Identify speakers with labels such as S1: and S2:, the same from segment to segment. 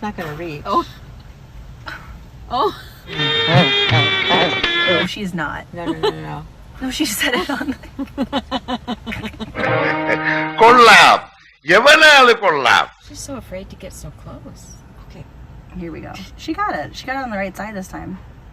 S1: not gonna reach.
S2: Oh. Oh.
S3: Oh, she's not.
S1: No.
S3: No, she said it on the...
S4: കൊള്ളാം യവനാള് കൊള്ളാം.
S2: She's so afraid to get so close.
S1: Okay.
S3: Here we go. She got it. She got it on the right side this time.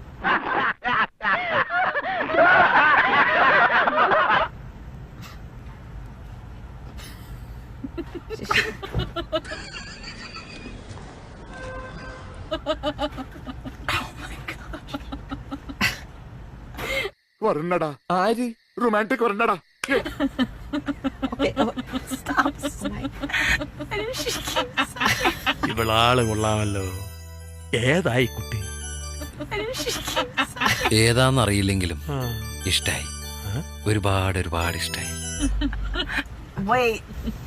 S5: വരണടാ ആര് romantic വരണടാ.
S1: Okay. Oh,
S3: Stop.
S1: my.
S3: Why did she keep
S6: ഇവളാള് കൊള്ളാമല്ലോ. ഏതായി കുട്ടി?
S3: Why did she keep
S7: ഏതാന്നറിയില്ലെങ്കിലും ഇഷ്ടായി. ഒരുപാട് ഇഷ്ടായി.
S3: Wait.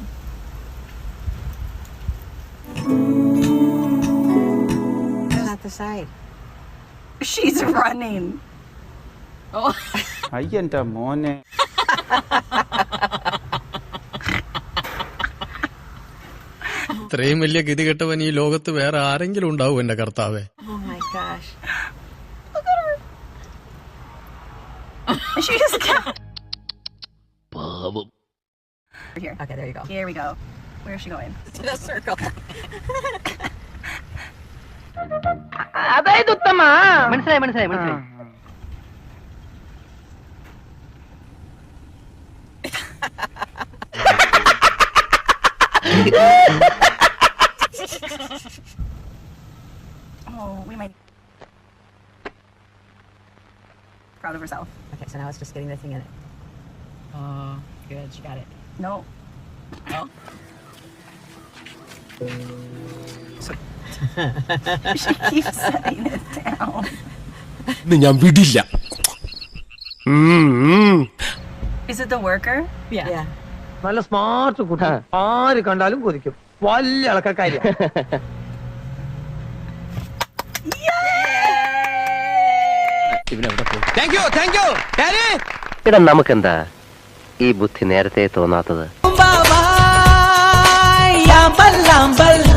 S1: Not the side.
S3: She's running.
S2: Oh.
S8: അയ്യന്റെ മോനെ.
S6: ഇത്രയും വലിയ ഗതികെട്ടവൻ ഈ ലോകത്ത് വേറെ ആരെങ്കിലും ഉണ്ടാവും എന്റെ കർത്താവേ.
S1: Oh my gosh.
S3: She just got...
S6: പാവം.
S3: Here.
S1: Okay, there you go.
S3: Here we go. Where is she going?
S1: To the circle.
S9: അതായത് ഉത്തമ മനസ്സിലായി
S3: Oh, we might... Proud of herself.
S1: Okay, so now it's just getting the thing in it. Oh, good. She got it.
S3: No.
S1: Oh.
S3: She keeps setting it down.
S6: ഞാൻ വിടില്ല.
S3: Is it the worker?
S1: Yeah.
S9: നല്ല smart കുട്ടി ആര് കണ്ടാലും കൊതിക്കും വലിയ ആൾക്കാർക്കാര്യം. ഇടാ നമുക്കെന്താ ഈ ബുദ്ധി നേരത്തെ തോന്നാത്തത്?